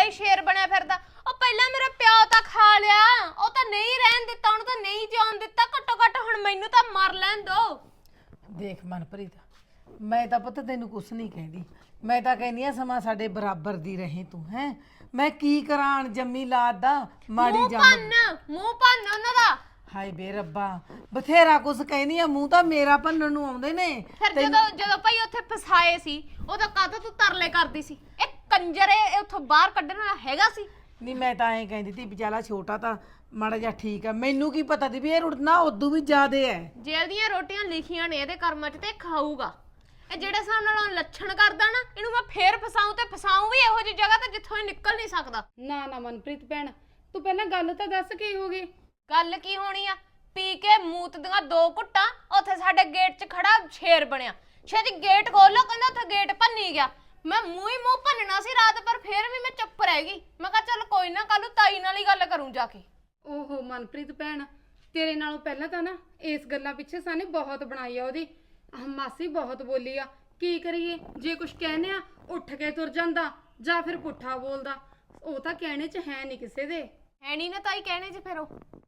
ਹੀ ਸ਼ੇਰ ਬਣਿਆ ਫਿਰਦਾ। ਉਹ ਪਹਿਲਾਂ ਮੇਰਾ ਪਿਓ ਤਾਂ ਖਾ ਲਿਆ, ਉਹ ਤਾਂ ਨਹੀਂ ਰਹਿਣ ਦਿੱਤਾ, ਉਹਨੂੰ ਤਾਂ ਨਹੀਂ ਜਿਉਣ ਦਿੱਤਾ। ਘੱਟੋ ਘੱਟ ਹੁਣ ਮੈਨੂੰ ਤਾਂ ਮਰ ਲੈਣ ਦੋ। ਦੇਖ ਮਨਪ੍ਰੀਤ, ਮੈਂ ਤਾਂ ਪੁੱਤ ਤੈਨੂੰ ਕੁਛ ਨਹੀਂ ਕਹਿੰਦੀ। ਮੈਂ ਤਾਂ ਕਹਿੰਦੀ ਆ ਸਮਾਂ ਸਾਡੇ ਬਰਾਬਰ ਦੀ ਰਹੇ ਤੂੰ ਹੈ। ਮੈਂ ਕੀ ਕਰਾਂ ਜੰਮੀ ਲਾਦ ਦਾ ਮਾੜੀ ਮੂੰਹ ਭੰਨ ਉਹਨਾਂ ਦਾ। ਹਾਏ ਬੇ ਰੱਬਾ, ਬਥੇਰਾ ਕੁਛ ਕਹਿੰਦੀ ਆ, ਮੂੰਹ ਤਾਂ ਮੇਰਾ ਭੰਨਣ ਨੂੰ ਆਉਂਦੇ ਨੇ। ਫਿਰ ਜਦੋਂ ਭਾਈ ਉੱਥੇ ਫਸਾਏ ਸੀ ਉਦੋਂ ਕਾਹਤੋਂ ਤੂੰ ਤਰਲੇ ਕਰਦੀ ਸੀ? ਇਹ ਕੰਜਰ ਇਹ ਉੱਥੋਂ ਬਾਹਰ ਕੱਢਣ ਵਾਲਾ ਹੈਗਾ ਸੀ? ਨਹੀਂ ਮੈਂ ਤਾਂ ਐਂ ਕਹਿੰਦੀ ਤੀ ਵਿਚਾਲਾ ਛੋਟਾ ਤਾਂ ਮਾੜਾ ਜਿਹਾ ਠੀਕ ਆ। ਮੈਨੂੰ ਕੀ ਪਤਾ ਤੀ ਵੀ ਇਹ ਰੁੜਨਾ ਉਦੋਂ ਵੀ ਜ਼ਿਆਦੇ ਐ। ਜੇਲ੍ਹ ਦੀਆਂ ਰੋਟੀਆਂ ਲਿਖੀਆਂ ਨੇ ਇਹਦੇ ਕਰਮਾਂ 'ਚ ਤੇ ਖਾਊਗਾ। ਇਹ ਜਿਹੜੇ ਹਿਸਾਬ ਨਾਲ ਲੱਛਣ ਕਰਦਾ ਨਾ, ਇਹਨੂੰ ਮੈਂ ਫੇਰ ਫਸਾਊਂ ਤੇ ਫਸਾਊਂ ਵੀ ਇਹੋ ਜਿਹੀ ਜਗ੍ਹਾ ਤੇ ਜਿੱਥੋਂ ਇਹ ਨਿਕਲ ਨਹੀਂ ਸਕਦਾ। ਨਾ ਨਾ ਮਨਪ੍ਰੀਤ ਭੈਣ, ਤੂੰ ਪਹਿਲਾਂ ਗੱਲ ਤਾਂ ਦੱਸ ਕੀ ਹੋ ਗਈ? ਗੱਲ ਕੀ ਹੋਣੀ ਆ? ਪੀ ਕੇ ਮੂਤ ਦੀਆਂ 2 ਘੁੱਟਾਂ ਉੱਥੇ ਸਾਡੇ ਗੇਟ 'ਚ ਖੜਾ ਸ਼ੇਰ ਬਣਿਆ। ਛੇਤੀ ਗੇਟ ਖੋਲੋ, ਕਹਿੰਦਾ ਉੱਥੇ ਗੇਟ ਭੰਨੀ ਗਿਆ। ਮੈਂ ਮੂੰਹ ਹੀ ਮੂੰਹ ਭੰਨਣਾ ਸੀ ਰਾਤ, ਪਰ ਫੇਰ ਵੀ ਮੈਂ ਚੁੱਪ ਰਹਿ ਗਈ। ਮੈਂ ਕਿਹਾ ਚੱਲ ਕੋਈ ਨਾ, ਕੱਲ ਨੂੰ ਤਾਈ ਨਾਲ ਹੀ ਗੱਲ ਕਰੂੰ ਜਾ ਕੇ। ਓਹੋ ਮਨਪ੍ਰੀਤ ਭੈਣ, ਤੇਰੇ ਨਾਲੋਂ ਪਹਿਲਾਂ ਤਾਂ ਨਾ ਇਸ ਗੱਲਾਂ ਪਿੱਛੇ ਸਾਨੇ ਬਹੁਤ ਬਣਾਈ ਆ ਉਹਦੀ। ਮਾਸੀ ਬਹੁਤ ਬੋਲੀ ਆ, ਕੀ ਕਰੀਏ? ਜੇ ਕੁਝ ਕਹਿੰਦੇ ਆ ਉੱਠ ਕੇ ਤੁਰ ਜਾਂਦਾ ਜਾਂ ਫਿਰ ਪੁੱਠਾ ਬੋਲਦਾ। ਉਹ ਤਾਂ ਕਹਿਣੇ 'ਚ ਹੈ ਨਹੀਂ ਕਿਸੇ ਦੇ। ਹੈ ਨਹੀਂ ਨਾ ਤਾਈ ਕਹਿਣੇ 'ਚ ਫਿਰ ਉਹ